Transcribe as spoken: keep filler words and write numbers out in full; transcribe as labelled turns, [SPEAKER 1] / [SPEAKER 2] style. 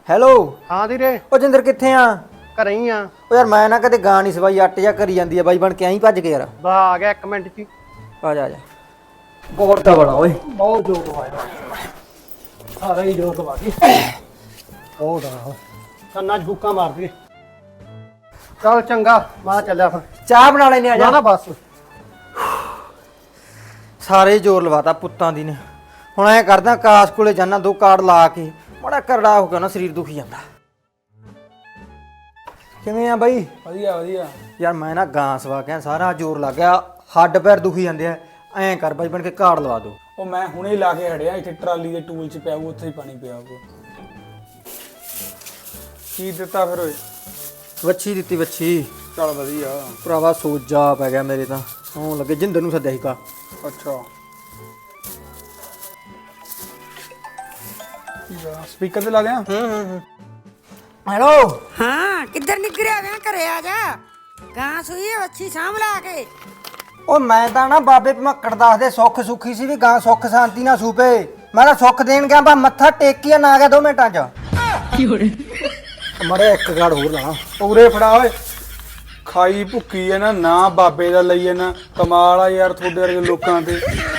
[SPEAKER 1] Hello.
[SPEAKER 2] ਹਾਂ ਵੀਰੇ।
[SPEAKER 1] ਉਹ ਜਿੰਦਰ ਕਿੱਥੇ ਆ?
[SPEAKER 2] ਘਰੇ ਹੀ ਆ।
[SPEAKER 1] ਉਹ ਯਾਰ ਮੈਂ ਨਾ ਕਦੇ ਗਾ ਨਹੀਂ ਸੀ ਬਾਈ, ਅੱਟ ਜਾ ਕਰੀ ਜਾਂਦੀ ਆ ਬਾਈ ਬਣ ਕੇ ਐਂ ਭੱਜ ਕੇ ਯਾਰ।
[SPEAKER 2] ਬਾ ਆ ਗਿਆ ਇੱਕ ਮਿੰਟ ਚ।
[SPEAKER 1] ਆ ਜਾ ਆ ਜਾ। ਬਹੁਤ ਦਾ ਬੜਾ ਓਏ,
[SPEAKER 2] ਬਹੁਤ ਜੋਰ ਲਵਾਇਆ ਸਾਰਾ ਹੀ ਜੋਰ ਲਵਾ ਕੇ ਬਹੁਤ ਆ ਕੰਨਾਂ ਚ ਬੁੱਕਾ ਮਾਰ ਦੇ। ਚੱਲ ਚੰਗਾ ਮੈਂ ਚੱਲਿਆ ਫਿਰ।
[SPEAKER 1] ਚਾਹ ਬਣਾ ਲੈਨੇ ਆ
[SPEAKER 2] ਨਾ
[SPEAKER 1] ਜਾ।
[SPEAKER 2] ਨਾ ਬਸ
[SPEAKER 1] ਸਾਰੇ ਜ਼ੋਰ ਲਵਾਤਾ ਪੁੱਤਾਂ ਦੀ ਨੇ। ਹੁਣ ਐ ਕਰਦਾ ਕਾਸ ਕੋਲੇ ਜਾਣਾ, ਦੋ ਕਾਰਡ ਲਾ ਕੇ ਬੜਾ ਕਰੜਾ ਹੋ ਗਿਆ ਨਾ, ਸਰੀਰ ਦੁਖੀ ਜਾਂਦਾ। ਕਿਵੇਂ ਆ ਬਾਈ?
[SPEAKER 3] ਵਧੀਆ ਵਧੀਆ।
[SPEAKER 1] ਯਾਰ ਮੈਂ ਨਾ ਗਾਂ ਸਵਾ ਕੇ ਸਾਰਾ ਜ਼ੋਰ ਲੱਗ ਗਿਆ, ਹੱਡ ਪੈਰ ਦੁਖੀ ਜਾਂਦੇ ਆ। ਐਂ ਕਰ ਬਾਈ ਬਣ ਕੇ ਕਾਰਡ ਲਵਾ ਦੋ।
[SPEAKER 3] ਉਹ ਮੈਂ ਹੁਣੇ ਲਾ ਕੇ ਹੜਿਆ, ਇੱਥੇ ਟਰਾਲੀ ਦੇ ਟੂਲ ਚ ਪਿਆ ਉਹ, ਉੱਥੇ ਹੀ ਪਾਣੀ ਪਿਆ ਉਹ। ਕੀ ਦਿੱਤਾ ਫਿਰ ਓਏ?
[SPEAKER 1] ਵੱਛੀ ਦਿੱਤੀ ਵੱਛੀ।
[SPEAKER 3] ਚੱਲ ਵਧੀਆ।
[SPEAKER 1] ਭਰਾਵਾ ਸੋਜਾ ਪੈ ਗਿਆ ਮੇਰੇ ਤਾਂ, ਸੌਂ ਲੱਗੇ। ਜਿੰਦਰ ਨੂੰ ਸੱਦਿਆ ਸੀ ਕਾ।
[SPEAKER 3] ਅੱਛਾ ਸਪੀਕਰ ਤੇ ਲਾ ਦਿਆਂ?
[SPEAKER 1] ਹੂੰ ਹੂੰ ਹੂੰ। ਹੈਲੋ।
[SPEAKER 4] ਹਾਂ ਕਿੱਧਰ ਨਿਕਰਿਆ ਗਿਆ? ਘਰੇ ਆ ਜਾ। ਗਾਂ ਸੂਈ ਅੱਛੀ ਸਾਂਭ ਲਾ ਕੇ।
[SPEAKER 1] ਉਹ ਮੈਂ ਤਾਂ ਨਾ ਬਾਬੇ ਭਮੱਕੜ ਦੱਸਦੇ ਸੁੱਖ ਸੁੱਖੀ ਸੀ ਵੀ ਗਾਂ ਸੁੱਖ ਸ਼ਾਂਤੀ ਨਾਲ ਸੂਪੇ। ਮੈਂ ਤਾਂ ਸੁੱਖ ਦੇਣ ਗਿਆ, ਬਾ ਮੱਥਾ ਟੇਕਿਆ ਨਾ ਆ ਗਿਆ ਦੋ ਮਿੰਟਾਂ ਚ। ਮੜੇ ਇੱਕ ਗਾੜ ਹੋਰ ਲਾਣਾ।
[SPEAKER 3] ਉਰੇ ਫੜਾ ਓਏ। ਖਾਈ ਭੁੱਕੀ ਐ ਨਾ, ਨਾ ਬਾਬੇ ਦਾ ਲਈ ਐ ਨਾ। ਕਮਾਲ ਆ ਯਾਰ ਤੁਹਾਡੇ ਵਰਗੇ ਲੋਕਾਂ ਤੇ।